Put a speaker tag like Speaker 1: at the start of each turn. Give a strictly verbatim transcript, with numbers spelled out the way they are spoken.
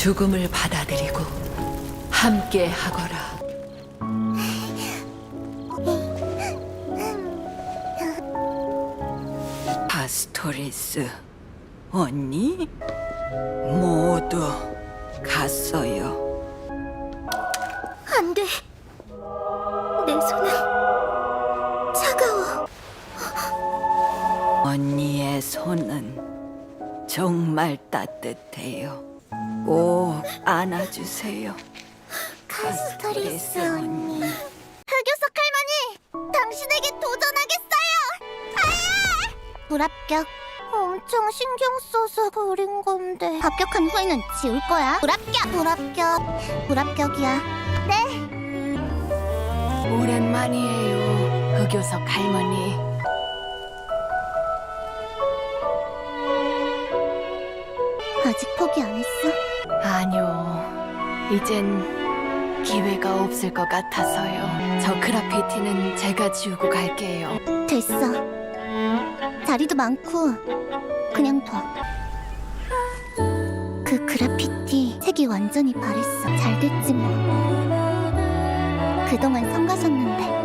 Speaker 1: 죽음을 받아들이고 함께 하거라. 파스토리스 언니 모두 갔어요.
Speaker 2: 안 돼. 내 손은 차가워.
Speaker 1: 언니의 손은 정말 따뜻해요. 꼭 안아주세요.
Speaker 2: 카스토리스 언니. 흑요석 할머니, 당신에게 도전하겠어요. 아야! 불합격. 엄청 신경 써서 그린 건데. 합격한 후에는 지울 거야. 불합격. 불합격. 불합격이야. 네.
Speaker 1: 오랜만이에요, 흑요석 할머니.
Speaker 2: 아직 포기 안 했어?
Speaker 1: 아니요, 이젠 기회가 없을 것 같아서요. 저 그라피티는 제가 지우고 갈게요.
Speaker 2: 됐어. 자리도 많고 그냥 둬. 그 그래피티 색이 완전히 바랬어. 잘 됐지 뭐. 그동안 성가셨는데